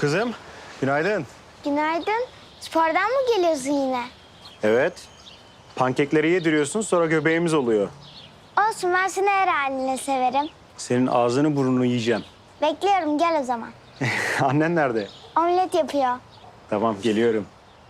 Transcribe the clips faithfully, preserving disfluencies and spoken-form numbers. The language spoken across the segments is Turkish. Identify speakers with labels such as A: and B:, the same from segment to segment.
A: Kızım, günaydın.
B: Günaydın. Spordan mı geliyorsun yine?
A: Evet. Pankekleri yediriyorsun, sonra göbeğimiz oluyor.
B: Olsun, ben seni her haline severim.
A: Senin ağzını burnunu yiyeceğim.
B: Bekliyorum, gel o zaman.
A: Annen nerede?
B: Omlet yapıyor.
A: Tamam, geliyorum.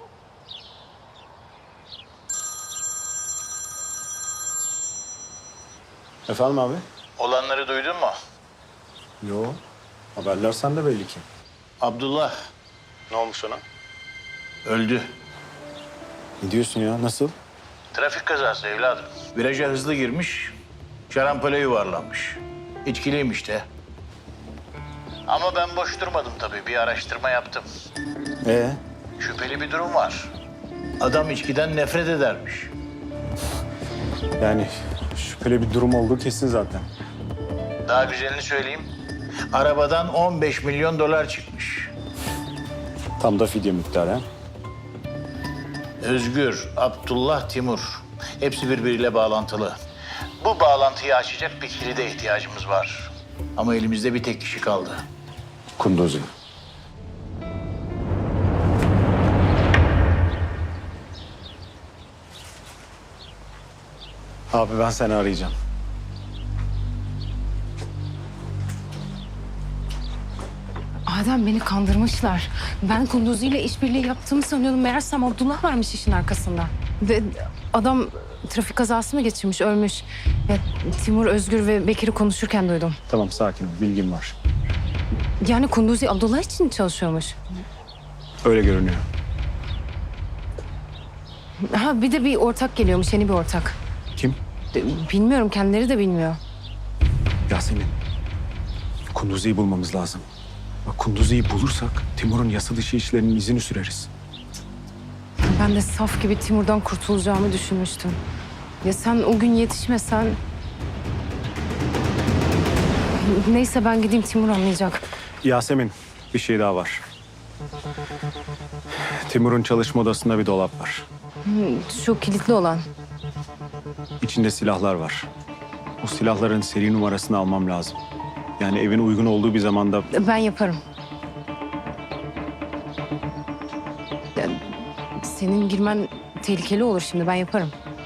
A: Efendim abi?
C: Olanları duydun mu?
A: Yo. Haberler sende belli ki.
C: Abdullah
A: Ne olmuş ona?
C: öldü.
A: Ne diyorsun ya? Nasıl?
C: Trafik kazası evladım. Viraja hızlı girmiş, şarampole yuvarlanmış. İçkiliymiş de. Ama ben boş durmadım tabii. Bir araştırma yaptım.
A: Ee?
C: Şüpheli bir durum var. Adam içkiden nefret edermiş.
A: Yani şüpheli bir durum olduğu kesin zaten.
C: Daha güzelini söyleyeyim. Arabadan on beş milyon dolar çıkmış.
A: Tam da fidye miktarı ha?
C: Özgür, Abdullah, Timur. Hepsi birbiriyle bağlantılı. Bu bağlantıyı açacak bir kilide ihtiyacımız var. Ama elimizde bir tek kişi kaldı.
A: Kunduzi. Abi ben seni arayacağım.
D: Adem, beni kandırmışlar. Ben Kunduzi ile işbirliği yaptığımı sanıyordum. Meğersem Abdullah varmış işin arkasında. Ve adam trafik kazası mı geçirmiş, ölmüş. Ya, Timur, Özgür ve Bekir'i konuşurken duydum.
A: Tamam, sakin ol. Bilgim var.
D: Yani Kunduzi Abdullah için çalışıyormuş.
A: Öyle görünüyor.
D: Ha, bir de bir ortak geliyormuş, yeni bir ortak.
A: Kim?
D: De- Bilmiyorum, kendileri de bilmiyor.
A: Yasemin. Kunduzi'yi bulmamız lazım. Bak, Kunduzi'yi bulursak Timur'un yasa dışı işlerinin izini süreriz.
D: Ben de saf gibi Timur'dan kurtulacağımı düşünmüştüm. Ya sen o gün yetişmesen... Neyse, ben gideyim, Timur anlayacak.
A: Yasemin, bir şey daha var. Timur'un çalışma odasında bir dolap var.
D: Şu kilitli olan.
A: İçinde silahlar var. O silahların seri numarasını almam lazım. Yani evin uygun olduğu bir zamanda...
D: Ben yaparım. Ya, senin girmen tehlikeli olur şimdi. Ben yaparım.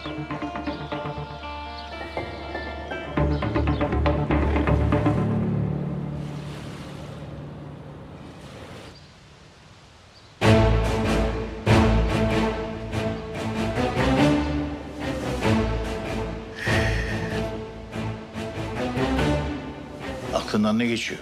C: Aklından ne geçiyor?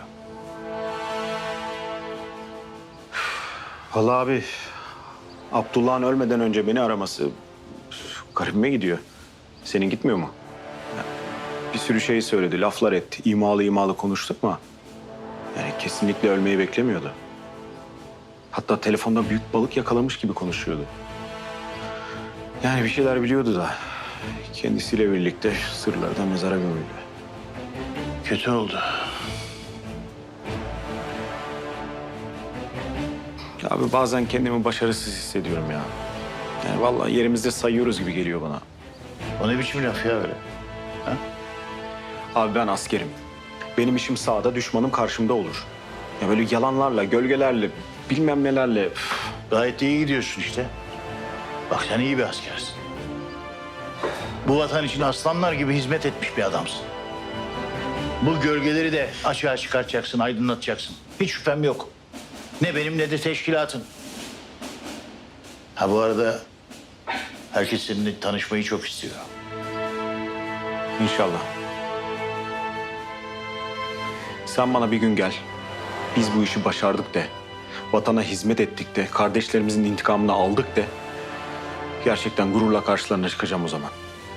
A: Vallahi abi, Abdullah'ın ölmeden önce beni araması garibime gidiyor. Senin gitmiyor mu? Ya, bir sürü şey söyledi, laflar etti. İmalı imalı konuştuk mu? Yani kesinlikle ölmeyi beklemiyordu. Hatta telefonda büyük balık yakalamış gibi konuşuyordu. Yani bir şeyler biliyordu da kendisiyle birlikte sırları da mezara gömüldü.
C: Kötü oldu.
A: Ya abi, bazen kendimi başarısız hissediyorum ya. Yani vallahi yerimizde sayıyoruz gibi geliyor bana.
C: O ne biçim laf ya öyle?
A: Abi ben askerim. Benim işim sağda, düşmanım karşımda olur. Ya böyle yalanlarla, gölgelerle, bilmem nelerle... üf.
C: Gayet iyi gidiyorsun işte. Bak sen iyi bir askersin. Bu vatan için aslanlar gibi hizmet etmiş bir adamsın. Bu gölgeleri de açığa çıkartacaksın, aydınlatacaksın. Hiç şüphem yok. Ne benim ne de teşkilatın. Ha bu arada herkes seninle tanışmayı çok istiyor.
A: İnşallah. Sen bana bir gün gel. Biz bu işi başardık de. Vatana hizmet ettik de. Kardeşlerimizin intikamını aldık de. Gerçekten gururla karşılarına çıkacağım o zaman.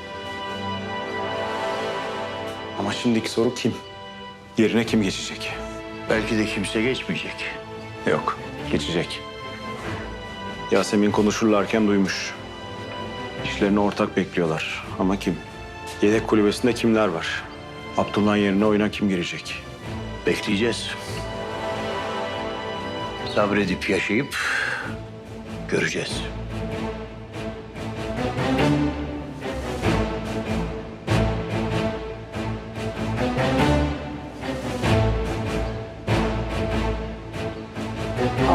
A: Ama şimdiki soru kim? Yerine kim geçecek?
C: Belki de kimse geçmeyecek.
A: Yok, geçecek. Yasemin konuşurlarken duymuş. İşlerini ortak bekliyorlar. Ama kim? Yedek kulübesinde kimler var? Abdullah'ın yerine oyuna kim girecek?
C: Bekleyeceğiz. Sabredip yaşayıp göreceğiz.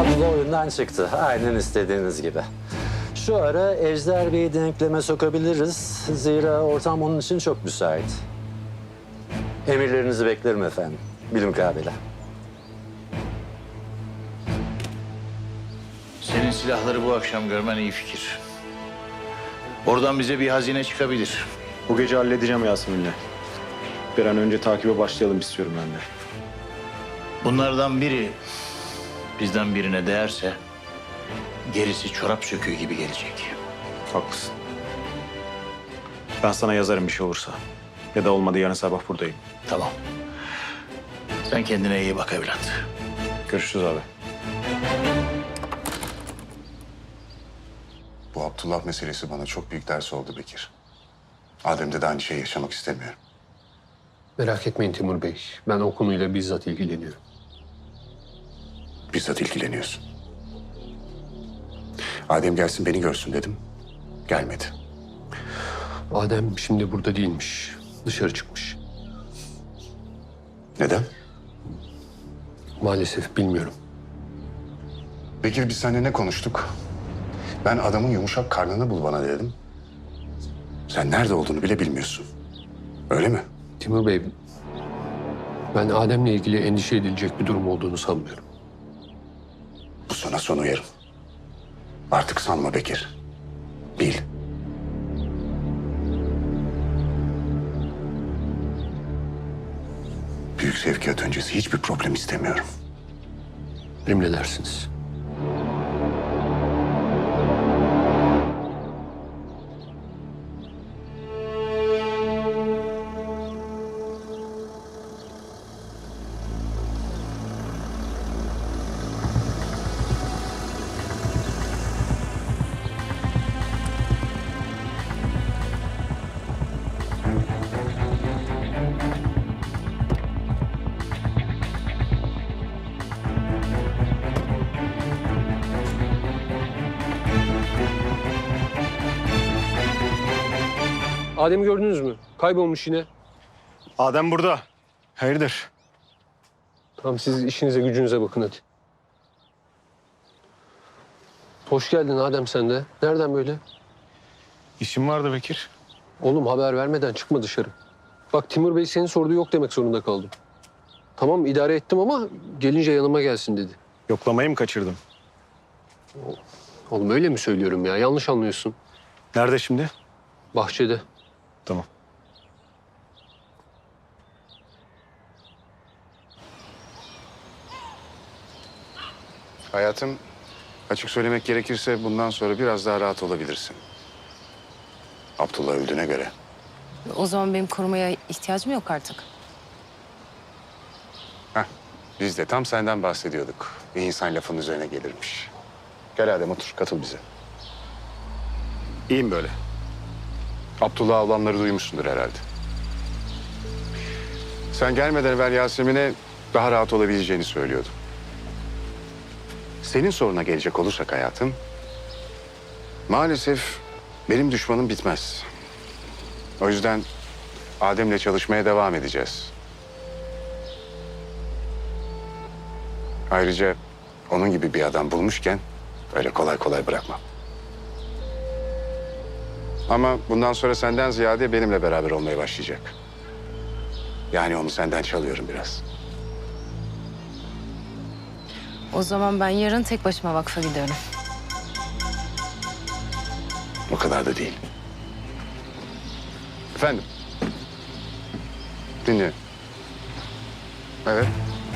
E: Abdullah oyundan çıktı. Aynen istediğiniz gibi. Şu ara Ejder Bey'i denkleme sokabiliriz. Zira ortam onun için çok müsait. Emirlerinizi beklerim efendim. Bilmukabele.
C: Senin silahları bu akşam görmen iyi fikir. Oradan bize bir hazine çıkabilir.
A: Bu gece halledeceğim Yasemin'le. Bir an önce takibe başlayalım istiyorum ben de.
C: Bunlardan biri bizden birine değerse gerisi çorap söküğü gibi gelecek.
A: Haklısın. Ben sana yazarım bir şey olursa. Ya da olmadı yarın sabah buradayım.
C: Tamam. Sen kendine iyi bak evlat.
A: Görüşürüz abi.
F: Bu Abdullah meselesi bana çok büyük ders oldu Bekir. Adem'de de aynı şeyi yaşamak istemiyorum.
G: Merak etmeyin Timur Bey. Ben o konuyla bizzat ilgileniyorum.
F: Bizzat ilgileniyorsun. Adem gelsin beni görsün dedim. Gelmedi.
G: Adem şimdi burada değilmiş. Dışarı çıkmış.
F: Neden?
G: Maalesef bilmiyorum.
F: Bekir biz seninle ne konuştuk? Ben adamın yumuşak karnını bul bana dedim. Sen nerede olduğunu bile bilmiyorsun. Öyle mi?
G: Timur Bey, ben Adem'le ilgili endişe edilecek bir durum olduğunu sanmıyorum.
F: Bu sana son uyarım. Artık sanma Bekir. Bil. Büyük sevkiyat öncesi hiçbir problem istemiyorum.
G: Emredersiniz. Adem'i gördünüz mü? Kaybolmuş yine.
A: Adem burada. Hayırdır?
G: Tamam siz işinize gücünüze bakın hadi. Hoş geldin Adem sen de. Nereden böyle?
A: İşim vardı Bekir.
G: Oğlum haber vermeden çıkma dışarı. Bak Timur Bey senin sorduğu yok demek zorunda kaldım. Tamam idare ettim ama gelince yanıma gelsin dedi.
A: Yoklamayı mı kaçırdım?
G: Oğlum öyle mi söylüyorum ya? Yanlış anlıyorsun.
A: Nerede şimdi?
G: Bahçede.
A: Tamam.
F: Hayatım, açık söylemek gerekirse bundan sonra biraz daha rahat olabilirsin. Abdullah öldüğüne göre.
D: O zaman benim korumaya ihtiyacım yok artık.
F: Heh, biz de tam senden bahsediyorduk. Bir insan lafın üzerine gelirmiş. Gel Adem otur, katıl bize.
A: İyiyim böyle.
F: Abdullah ablamları duymuşsundur herhalde. Sen gelmeden evvel Yasemin'e daha rahat olabileceğini söylüyordum. Senin soruna gelecek olursak hayatım... maalesef benim düşmanım bitmez. O yüzden Adem'le çalışmaya devam edeceğiz. Ayrıca onun gibi bir adam bulmuşken öyle kolay kolay bırakmam. Ama bundan sonra senden ziyade benimle beraber olmaya başlayacak. Yani onu senden çalıyorum biraz.
D: O zaman ben yarın tek başıma vakfa gidiyorum.
F: O kadar da değil. Efendim? Dinliyorum. Evet.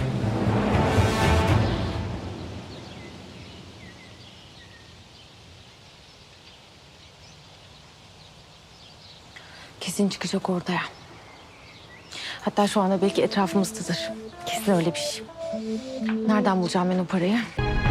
D: Kesin çıkacak ortaya. Hatta şu anda belki etrafımızdadır. Kesin öyle bir şey. Nereden bulacağım ben o parayı?